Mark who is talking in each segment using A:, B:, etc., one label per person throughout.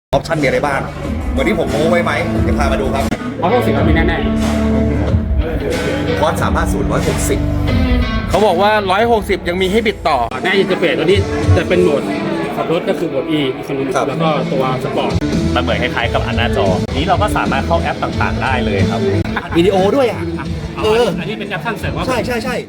A: ออปชั่นมีอะไรบ้างวันนี้ผมโม้ไว้ไหมเดี๋ยวพามาดูครับ
B: เพราะพวกสิ่งมีแน่
A: คอร์ส350/160
C: เขาบอกว่า 160 ยังมีให้บิดต่อ
B: ๆแน่อินเตอร์เฟซตัวนี้จะเป็นโหมดขับรถก็คือโหมด E อีโคโนมิคแล้วก็ตัวสปอร์ต
D: มันเหมือนคล้ายๆกับอันหน้าจอนี้เราก็สามารถเข้าแอปต่างๆได้เลยครับ
A: วิดีโอด้วยอ่ะ
B: อันนี้เป็นแอปชั่นเสริมว่า
A: ใช่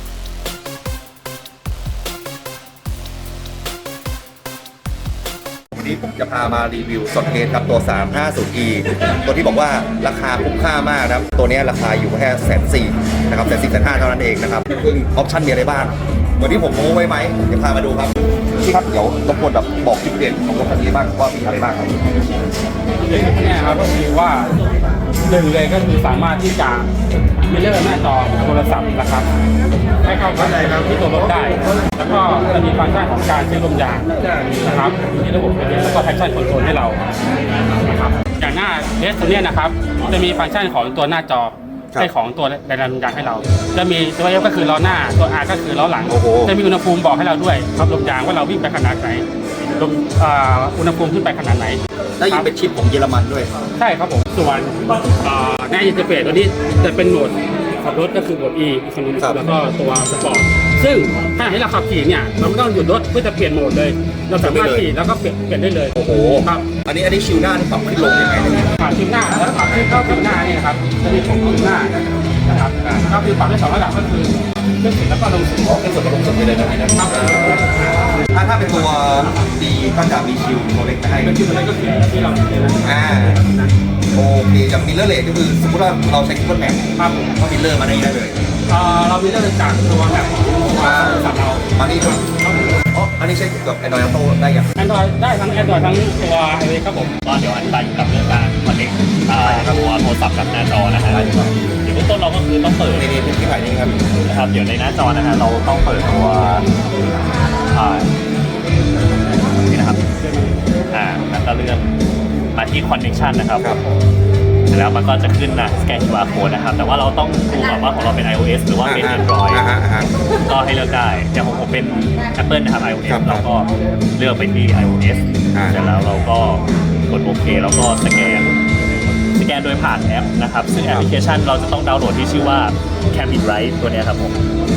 A: วันนี้ผมจะพามารีวิวสดเทสครับตัว 350e ตัวที่บอกว่าราคาคุ้มค่ามากนะครับตัวนี้ราคาอยู่แค่140,000นะครับ140,500เท่านั้นเองนะครับซึ่งออปชั่นมีอะไรบ้างวันนี้ผมโม้ไว้ไหมเดี๋ยวพามาดูครับพี่ครับเดี๋ยวรบกวนแบบบอกจุดเด่นของรถคันนี้บ้างว่ามีอะไรบ้างครับ
B: เนี่ยครับก็คือว่าหนึ่งเลยก็คือสามารถที่จะมิเรอร์หน้าจอโทรศัพท์นะครับให้เข้ากับที่ตัวรถได้ แล้วก็จะมีฟังก์ชันของการเช็คลมยางนะครับมีระบบแล้วก็แพชชั่นคอนโทรลให้เรานะครับอย่างหน้าเดสตัวเนี้ยนะครับจะมีฟังก์ชันของตัวหน้าจอให้ของตัวแรงดันลมยางให้เราจะมีตัว F ก็คือล้อหน้าตัว R ก็คือล้อหลังจะมีอุณหภูมิบอกให้เราด้วยครับลมยางว่าเราวิ่งไปขนาดไหนลมอุณหภูมิขึ้นไปขนาดไหน
A: ได้ยินเป็นชิปของเยอรมันด้วย
B: ใช่ครับผมส่วนหน้าอินเตอร์เฟซตัวนี้จะเป็นโหมดขับรถก็คือโหมด E อีโคโนมิคแล้วก็ตัวสปอร์ตซึ่งถ้าให้เราขับขี่เนี่ยเราไม่ต้องหยุดรถเพื่อจะเปลี่ยนโหมดเลยเราสามารถขี่แล้วก็เปลี่ยนได้เลย
A: โอ้โห
B: ครับ
A: อันนี้ชิวหน้าที่ปรับขึ้นลงยังไงเนี่ย
B: ปรับชิวหน้าแล้วปรับขึ้นเข้าชิวหน้านี่นะครับจะมีของชิวหน้านะครับก็คือปรับได้2ระดับก็คือขึ้นสุดแล้วก็ลงสุด
A: ขึ้นสุดกับลงสุดไปเลยนะครับถ้าเป็นตัวดีก็จะมีชิวตัวเล็กให้
B: เป็นชิวตัวเล็กก็คือที่เรา
A: โอเคอย่างมิลเลอร์เลทก็คือสมมติว่าเราใช้Google Map
B: ครับผม
A: ก็มิลเลอร์มาได้เลย
B: เรามิลเลอร์จากตัวแบบของสับเรา
A: มานี่ด้วยอันนี้ใช้กับ Android Auto ได้ยัง
B: Android ได้ทั้ง Android ทั้งตัว iOS ครับผม
D: ก็เดี๋ยวอธิบายกับเรื่องการคอนเนคตัวโทรศัพท์กับหน้าจอนะฮะเดี๋ยวเบื้องต้นเราก็คือต้องเปิด
A: นี่ที่ถ่ายนี่ครับ
D: นะครับเดี๋ยวในหน้าจอนะฮะเราต้องเปิดตัวนี่นะครับแล้วก็เลื่อนมาที่ connection นะครับแล้วมันก็จะขึ้นนะสแกน QR code นะครับแต่ว่าเราต้องดูก่อนว่าของเราเป็น iOS หรือว่าเป็น Android ก็ให้เลือกได้อย่างของผมเป็น Apple นะครับ iOS เราก็เลือกไปที่ iOS เสร็จแล้วเราก็กดโอเคแล้วก็สแกนโดยผ่านแอปนะครับซึ่งแอปพลิเคชันเราจะต้องดาวน์โหลดที่ชื่อว่า Cabin Ride ตัวนี้ครับผม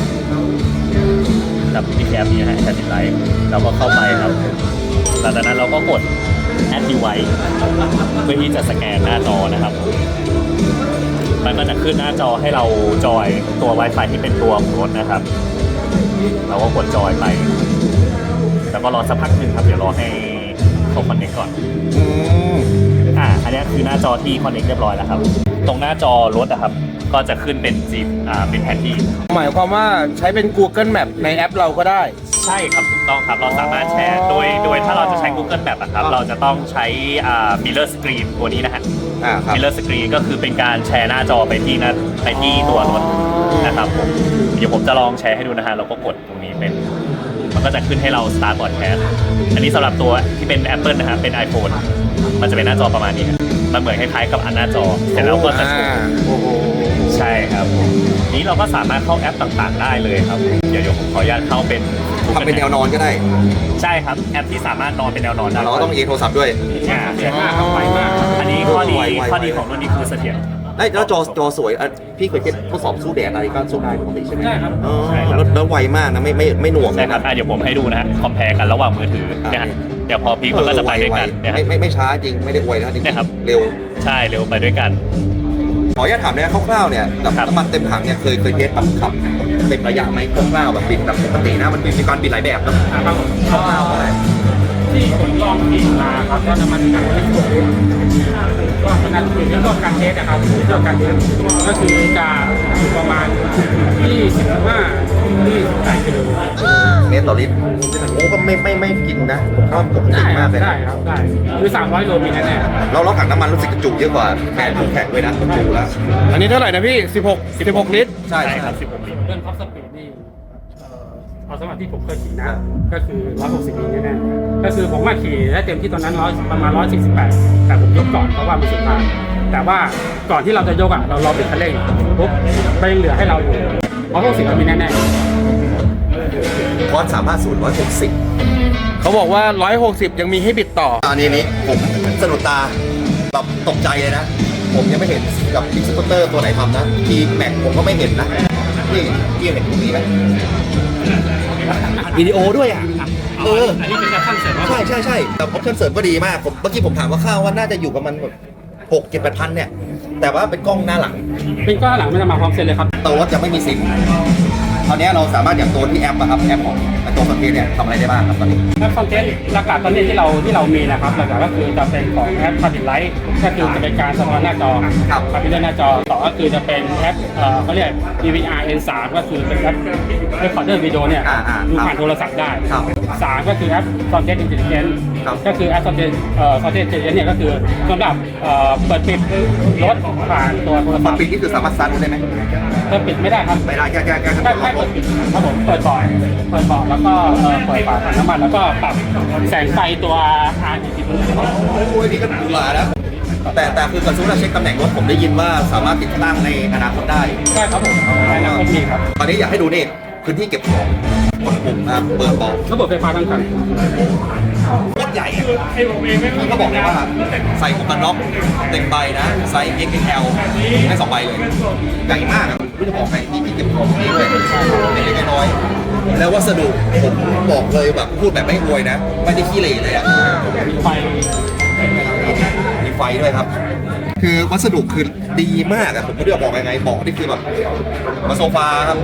D: ครับที่แอปนี้นะฮะ Cabin Ride เราก็เข้าไปครับหลังจากนั้นเราก็กดAdd Device เพื่อที่จะสแกนหน้าจอนะครับมันก็จะขึ้นหน้าจอให้เราจอยตัว Wi-Fi ที่เป็นตัวของรถนะครับเราก็กดจอยไปแล้วก็รอสักพักหนึ่งครับเดี๋ยวรอให้เขาคอนเนคก่อนอันนี้คือหน้าจอที่คอนเนคเรียบร้อยแล้วครับตรงหน้าจอรถนะครับก็จะขึ้นเป็นเป็นแผนที่
C: หมายความว่าใช้เป็น Google Map ในแอปเราก็ได้
D: ใช่ครับถูกต้องครับเราสามารถแชร์โดยถ้าเราจะใช้ Google Map ครับเราจะต้องใช้ Mirror Screen ตัวนี้นะฮะMirror Screen ก็คือเป็นการแชร์หน้าจอไปที่ตัวรถนะครับผมเดี๋ยวผมจะลองแชร์ให้ดูนะฮะเราก็กดตรงนี้มันก็จะขึ้นให้เรา Start Broadcast อันนี้สำหรับตัวที่เป็น Apple นะครับเป็น iPhone มันจะเป็นหน้าจอประมาณนี้มันเหมือนคล้ายๆกับอันหน้าจอเสร็จแล้วก็จะใช่ครับนี้เราก็สามารถเข้าแอปต่างๆได้เลยครับเดี๋ยวผมขออนุญาตเข้าเป็น
A: ทำเป็นแนวนอนก็ได้
D: ใช่ครับแอปที่สามารถนอนเป็นแนวนอนได้
A: เราต้องโทรศัพท์ด้วย
B: เสียงมากเข้าไปมาก
D: อันนี้ข้อดีของรุ่นนี้คือเสถียร
A: แล้วจอสวยพี่เคยทดสอบสู้แดดอะไรก็สู้ได้ปกติใช่ไหม
B: ใช่ครับ
A: แล้วไวมากนะไม่หน่วง
D: ใช่ครับเดี๋ยวผมให้ดูนะฮะคอมเพลกันระหว่างมือถือเนี่ยเดี๋ยวพอพีมันก็จะไปด้วยกัน
A: ไม่ช้าจริงไม่ได้อวยนะจริงเร็ว
D: ใช่เร็วไปด้วยกัน
A: ขออนุญาตถามเนี่ยคร่าวๆเนี่ยกับน้ำมันเต็มถังเนี่ยเคยเทสแบบขับเต็มระยะไหมคร่าวๆแบบบิดแบบปกตินะมันมีการบิดหลายแบบนะครับคร่าวๆอะไร
B: ที่ผมลองบิดมาครับก็น้ำมันถังก็ขนาดอยู่ในรอบการเทสนะครับรอบการเทสก็คือจะอยู่ประมาณ25-28 กิโล
A: เมตรต่อลิตรโอ้ก็ไม่กินนะผมว่าปกติมากเลย
B: ได้ครับได้คือ300 โลมีแน่
A: ๆเราถังน้ำมันรู้สึกกระจุเยอะกว่าแข่งด้วยนะกระจุแล้ว
C: อันนี้เท่าไหร่นะพี่16 ลิตร
A: ใช่
D: ครับ16 ลิตร
B: เรื่องท็อปสปีดนี่เอาสมัยที่ผมเคยขี่นะก็คือ160 ลิตรแน่ๆก็คือผมมาขี่ได้เต็มที่ตอนนั้นประมาณ148แต่ผมยกก่อนเพราะว่ามันสุดทางแต่ว่าก่อนที่เราจะยกเรารอเบรกคันเร่งปุ๊บไปยังเหลือให้เราอยู่160มีแน่
A: คอร์ส350/160
C: เขาบอกว่า160ยังมีให้บิดต่อ
A: อันนี้ผมสะดุดตาแบบตกใจเลยนะ ผมยังไม่เห็นกับพิกซ์สกูตเตอร์ตัวไหนทำนะทีแม็กผมก็ไม่เห็นนะนี่พี่เห็นตรงนี้ไหมอัดวิดีโอด้วยอ่ะ
B: อันนี้เป็นการตั้งเสริมว่า
A: ใช่แต่ออปชั่นเสริมก็ดีมากผมเมื่อกี้ผมถามว่าข้าวว่าน่าจะอยู่กับมันแบบ6-7-8 พันเนี่ยแต่ว่าเป็นกล้องหน้าหลัง
B: เป็นก้อนหลังไม่ได้มาพร้อมเซ็นเลยครับ
A: ตัวรถจะไม่มีซิมตอนนี้เราสามารถอย่างตัวที่แอปอะครับแอปของตัวคอนเทนต์เนี่ยทำอะไรได้บ้างครับตอนนี้
B: แอปคอนเทนต์หลักๆตอนนี้ที่เรามีนะครับหลักๆก็คือจะเป็นของแอป Public Light ก็คือจะเป็นการสะท้อนหน้าจอ
A: ครับ
B: คาบิเนหน้าจอต่อก็คือจะเป็นแอปเขาเรียก DVR N3 ก็คือเป็นแอป Recorder Video เนี่ยดูผ่านโทรศัพท์ได้
A: ครับ
B: 3ก็คือแอป Content Intelligence
A: ครับ
B: ก็คือแอป Content Intelligence เนี่ยก็คือสำหรับเปิดปิดรถผ่านตัวโทรศั
A: มา
B: พท์
A: ปิดนี่คือสามารถซัดได้ไหม
B: เปิดปิดไม่ได้ครับ
A: ไม่ได้แค่
B: แค่เปิดปิดครับผมเปิดเบาะแล้วก็เปิดฝาถังน้ำมันแล้วก็ปรับแสงไฟตัว RGB
A: โอ้ยนี่ก็ดูหลาแล้วแต่คือกระทรวงเช็คตำแหน่งรถผมได้ยินว่าสามารถติดตั้งในอนาคตได้
B: ใช่ครับผมในอนาคตมีครับ
A: ตอนนี้อยากให้ดูนี่พื้นที่เก็บของกดปุ่มนะครับเปิดเบาะ
B: ระบบไฟฟ้าทั้งคัน
A: โคตรใหญ่อะมันก็บอกเลยว่าใส่หมวกกันน็อกเต็มใบนะไซส์ XXL ได้2 ใบเลยใหญ่มากอะไม่จะบอกใครมีที่เก็บของนี่เลยเล็กๆน้อยๆแล้ววัสดุผมบอกเลยแบบพูดแบบไม่อวยนะไม่ได้ขี้เหร่เลยอะ
B: มีไฟ
A: มีไฟด้วยครับ คือวัสดุคือดีมากอะผมไม่รู้จะบอกยังไงบอกนี่คือแบบมาโซฟาครับ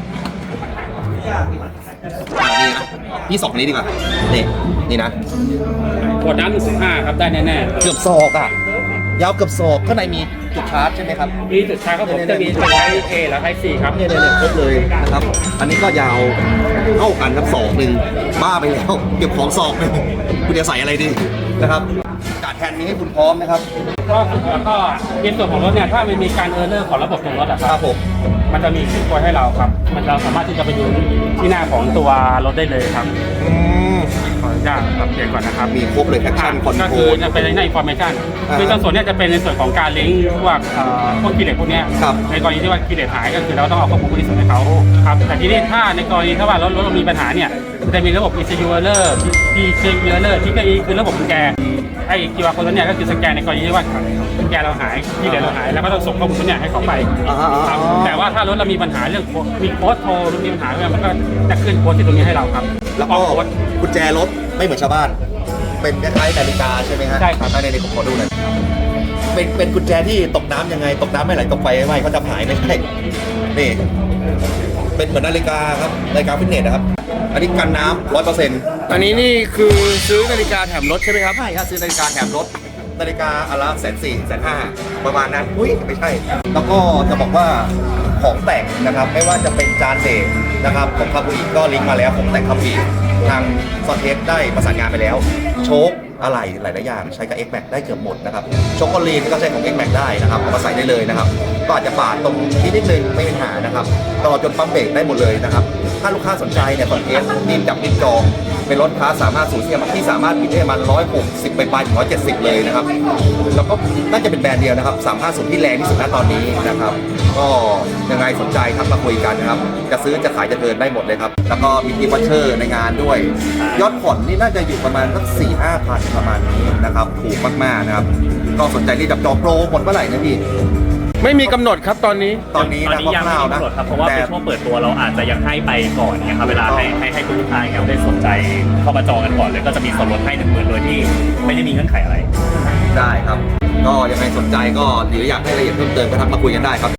A: นี่นะพี่สองนี้ดีกว่านี่นะ
B: ขวดน้ำ1.5ครับได้แน่
A: เกือบศอกอะยาวเกือบศอกข้างในมีจุดชาร์จใช่ไหมครับ
B: ๆมีจุดชาร์จครับผมจะมีไทป์ A และไทป์ C ครับ
A: เนี่ยครบเลยนะครับ อันนี้ก็ยาวเท่ากันครับศอกหนึ่งบ้าไปแล้วเก็บของศอกหนึ่งคุณจะใส่อะไรดีนะครับการแทนนี้ให้คุณพร้อมนะครับ
B: ก็ในส่วนของรถเนี่ยถ้ามันมีการเออร์เลอร์ของระบบของรถอะค
A: ค
B: รั
A: รั
B: บบ
A: ผม
B: มันจะมีขึ้นตัวให้เราครับ เราสามารถที่จะไปดูที่หน้าของตัวรถได้เลยครับขออนุญาตปรับเปลี่ยนก่อนนะครับ
A: มีครบเลยแอคชั่นคอน
B: ก็
A: โทร
B: คือ
A: ล
B: จะเป็นในอินฟอร์เมชัน
A: อ่า
B: คือส่วนเนี้ยจะเป็นในส่วนของการลิงก์พวกคีย์เลสพวกเนี้ย
A: ครับ
B: ในกรณีที่ว่าคีย์เลสหายก็คือเราต้องเอาข้อมูลพวกนี้ส่งให้เขาครับแต่ทีนี้ถ้าในกรณีถ้าว่ารถเรามีปัญหาเนี่ยจะมีระบบ ECU error PCU error ที่ก็คือระบบกุญแจไอ้ QR code เนี่ยก็คือสแกนในกรณีที่ว่ากุญแจเราหายคีย์เลสเราหายแล้วก็ต้องส่งข้อมูลเนี่ยให้เขาไปครับแต่ว่าถ้ารถเรามีปัญหาเรื่องมีโค้ดโทรหรือมีปัญหาอะไรมันก็จะขึ้นโค้ดที่ตรงนี้ให้เราครับ
A: แล้วก็
B: โค้ด
A: กุญแจรถไม่เหมือนชาวบ้าน เป็นคล้ายๆนาฬิกาใช่ไหมฮะ
B: ใช่ครับ
A: ในผมขอดูหน่อยเป็นกุญแจที่ตกน้ำยังไงตกน้ำไม่ไหลตกไฟไม่ไหม้เขาจะหายไม่ใช่นี่เป็นเหมือนนาฬิกาครับนาฬิกาฟิตเนสนะครับ อันนี้กันน้ำ100%
C: อันนี้นี่คือซื้อนาฬิกาแถมรถใช่ไหมครับ
A: ใช่ครับซื้อนาฬิกาแถมรถนาฬิกาอนละ140,000-150,000ประมาณนั้นอุ้ยไม่ใช่ แล้วก็จะบอกว่าของแต่งนะครับไม่ว่าจะเป็นจานเดทนะครับของคาบูอิก็ลิงก์มาแล้วของแต่งคาบูอิทางซอนเทสได้ประสานงานไปแล้ว โชคอะไรหลายๆอย่างใช้กับ X-Max ได้เกือบหมดนะครับโชคโกลีนก็ใช้ของ X-Max ได้นะครับเอามาใส่ได้เลยนะครับก็อาจจะปาดตรงนิดนึงไม่เป็นปัญหานะครับตลอดจนปั๊มเบรกได้หมดเลยนะครับถ้าลูกค้าสนใจเนี่ยซอนเทสดินจับดินจองเป็นรถค้า350ที่สามารถบิดได้ประมาณ160ไปถึง170เลยนะครับแล้วก็น่าจะเป็นแบรนด์เดียวนะครับ350ที่แรงที่สุดณตอนนี้นะครับก็ยังไงสนใจครับมาคุยกันนะครับจะซื้อจะขายจะเดินได้หมดเลยครับแล้วก็มีทีวัชเชอร์ในงานด้วยยอดผ่อนนี่น่าจะอยู่ประมาณสัก 4-5 พันประมาณนี้นะครับถูกมากๆนะครับก็สนใจที่จับจองโปรหมดเมื่อไหร่นะพี่
C: ไม่มีกำหนดครับตอนนี้
A: ตอนนี้
D: ตอน
A: นะ
D: นี้ยัง
A: ค
D: ไม่
A: ร่าว
D: มี
A: ๆนะ
D: กำหนดครับเพราะว่าเป็นช่วงเปิดตัวเราอาจจะยังให้ไปก่อนเนี่ยครับเวลาให้คุณลูกค้าเนี่ยได้สนใจเข้ามาจองกันก่อนเลยก็จะมีส่วนลดให้10,000โดยที่ไม่ได้มีเงื่อนไขอะไร
A: ได้ครับ ก็ยังไงสนใจก็หรืออยากให้รายละเอียดเพิ่มเติมก็ทักมาคุยกันได้ครับ